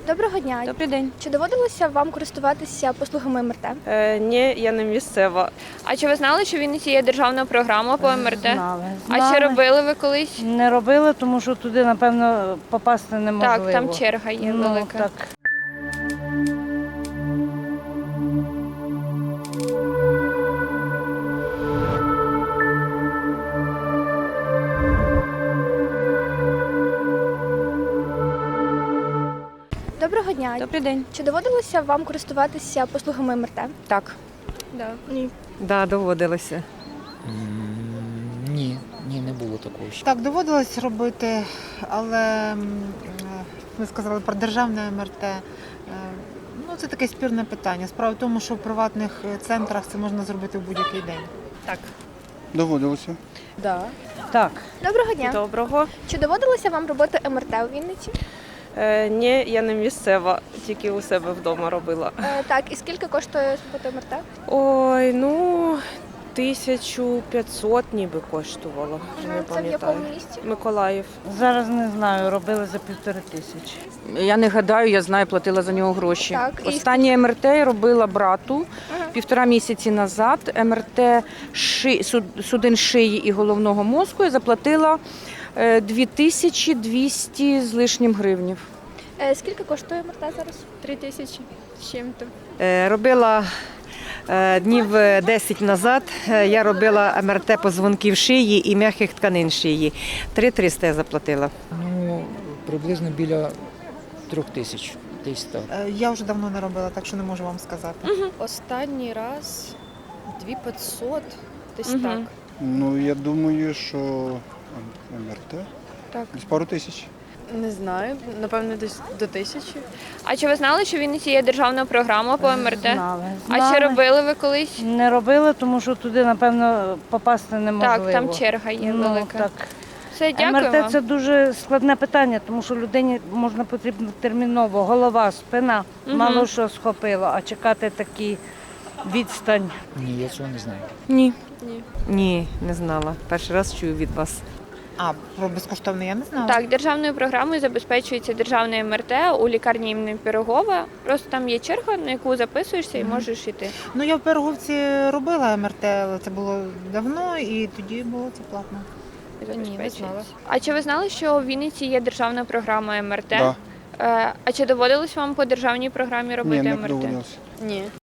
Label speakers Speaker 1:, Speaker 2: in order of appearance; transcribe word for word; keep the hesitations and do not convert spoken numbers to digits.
Speaker 1: Доброго дня.
Speaker 2: Добрий день.
Speaker 1: Чи доводилося вам користуватися послугами ем ер те?
Speaker 2: Е, ні, я не місцева.
Speaker 3: А чи ви знали, що в Вінниці є державна програма по ем ер те?
Speaker 4: Знали.
Speaker 3: А чи
Speaker 4: Знали.
Speaker 3: робили ви колись?
Speaker 4: Не робили, тому що туди, напевно, попасти неможливо.
Speaker 3: Так, там черга є
Speaker 4: Ну,
Speaker 3: велика.
Speaker 4: так.
Speaker 1: Доброго дня.
Speaker 2: Добрий день.
Speaker 1: Чи доводилося вам користуватися послугами ем ер те?
Speaker 2: Так.
Speaker 3: Да.
Speaker 1: Ні.
Speaker 2: Да, доводилося.
Speaker 5: М, Ні, ні, не було такого ще.
Speaker 6: Так, доводилось робити, але м, е, ви сказали про державне ем ер те. Е, Ну, це таке спірне питання. Справа в тому, що в приватних центрах це можна зробити в будь-який день.
Speaker 3: Так.
Speaker 7: Доводилося.
Speaker 4: Так.
Speaker 1: Доброго дня.
Speaker 2: Доброго.
Speaker 1: Чи доводилося вам робити ем ер те у Вінниці?
Speaker 2: Е, ні, я не місцева, тільки у себе вдома робила.
Speaker 1: Е, так, і скільки коштує робота ем ер те?
Speaker 2: Ой, ну, тисячу п'ятсот ніби коштувало. Вже не
Speaker 1: Це в
Speaker 2: пам'ятаю.
Speaker 1: якому місті?
Speaker 2: Миколаїв.
Speaker 4: Зараз не знаю, робили за півтори тисячі.
Speaker 8: Я не гадаю, я знаю, платила за нього гроші.
Speaker 1: Так, і
Speaker 8: Останнє ем ер те я робила брату півтора місяці назад. ем ер те ши, суд- судин шиї і головного мозку я заплатила е, дві тисячі двісті з лишнім гривнів.
Speaker 1: Е, скільки коштує ем ер те зараз?
Speaker 3: Три тисячі з чим-то.
Speaker 9: Е, Робила е, днів десять назад. е, Я робила ем ер те позвонків шиї і м'яких тканин шиї. три триста я заплатила.
Speaker 5: Ну, приблизно біля трьох тисяч. Десь так.
Speaker 6: Е, Я вже давно не робила, так що не можу вам сказати.
Speaker 10: Останній раз дві п'ятсот, десь
Speaker 3: Мгм.
Speaker 10: так.
Speaker 7: Ну, я думаю, що ем ер те
Speaker 3: Так.
Speaker 7: десь пару тисяч.
Speaker 10: Не знаю, напевно, десь до тисячі.
Speaker 3: А чи ви знали, що в Вінниці є державна програма по ем ер те?
Speaker 4: Знали.
Speaker 3: А чи
Speaker 4: Знали.
Speaker 3: робили ви колись?
Speaker 4: Не робили, тому що туди, напевно, попасти неможливо.
Speaker 3: Так, там черга є
Speaker 4: Ну,
Speaker 3: велика.
Speaker 4: так.
Speaker 3: Все,
Speaker 4: ем
Speaker 3: дякую
Speaker 4: ер те
Speaker 3: вам.
Speaker 4: це дуже складне питання, тому що людині можна потрібно терміново. Голова, спина,
Speaker 3: Мгм.
Speaker 4: мало що схопило, а чекати такі відстань.
Speaker 5: Ні, я цього не знаю.
Speaker 2: Ні.
Speaker 9: Ні, не знала. Перший раз чую від вас.
Speaker 6: А про безкоштовне я не знала.
Speaker 3: Так, державною програмою забезпечується державне ем ер те у лікарні імені Пирогова. Просто там є черга, на яку записуєшся і можеш йти.
Speaker 6: Ну, я в Пироговці робила ем ер те, але це було давно, і тоді було це платно.
Speaker 10: Ні, не знала.
Speaker 3: А чи ви знали, що в Вінниці є державна програма ем ер те?
Speaker 7: Да.
Speaker 3: Е, А чи доводилось вам по державній програмі робити
Speaker 7: Ні, не
Speaker 3: ем ер те?
Speaker 7: доводилося.
Speaker 10: Ні.